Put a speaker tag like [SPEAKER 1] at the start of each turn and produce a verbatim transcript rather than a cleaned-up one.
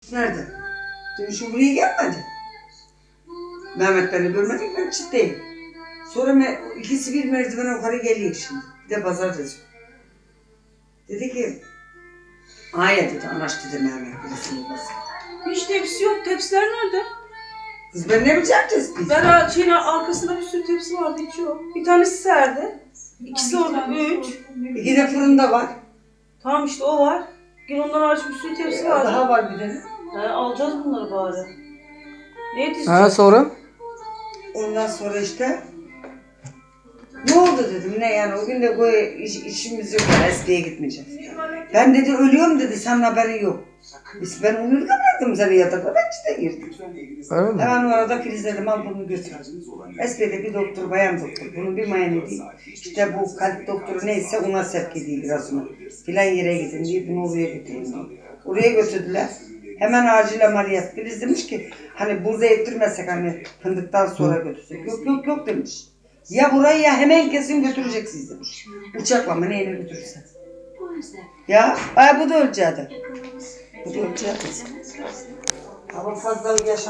[SPEAKER 1] Nerede? Dün şu buraya gelmedi. Mehmet beni görmedik, ben çıktayım. Sonra me ikisi bir merdiven yukarı geliyor şimdi. Bir de pazartesi. Dedi ki, Aya dedi, anaş dedi Mehmet birisinin babası.
[SPEAKER 2] Hiç tepsi yok. Tepsiler nerede?
[SPEAKER 1] Kız ben ne bileceğim tespih?
[SPEAKER 2] Ben şeyin arkasında bir sürü tepsi vardı, hiç yok. Bir tanesi serde. İkisi orada, üç.
[SPEAKER 1] İki de fırında var.
[SPEAKER 2] Tamam işte o var. Gel ondan hariç bir sürü tepsi
[SPEAKER 1] Ee,
[SPEAKER 2] vardı.
[SPEAKER 1] daha var bir tane.
[SPEAKER 2] He, alacağız bunları bari. Ne yetişecek?
[SPEAKER 3] Ha sonra?
[SPEAKER 1] Ondan sonra işte ne oldu dedim, ne yani o gün de bu iş, işimiz yok, yani Esli'ye gitmeyeceğiz. Ben dedi ölüyorum dedi, senin haberin yok. Biz ben onu bıraktım seni yatakta, ben işte girdim.
[SPEAKER 3] Öyle mi?
[SPEAKER 1] Hemen orada Filiz dedim, al bunu götür. Esli'de bir doktor, bayan doktor, bunun bir mayını değil. İşte bu kalp doktoru neyse ona sevk edeyim biraz onu. Filan yere gidin diye bunu oraya götüreyim diye. Oraya götürdüler. Hemen acil ameliyat. Filiz demiş ki hani burada ettirmezsek hani fındıktan sonra götürsek. Yok yok yok demiş. Ya burayı ya hemen kesin götüreceksiniz demiş. Uçakla mı neyle götürürsen. Ya ay bu da öleceğiydi. Bu da öleceğiydi. Ama fazla yaşa.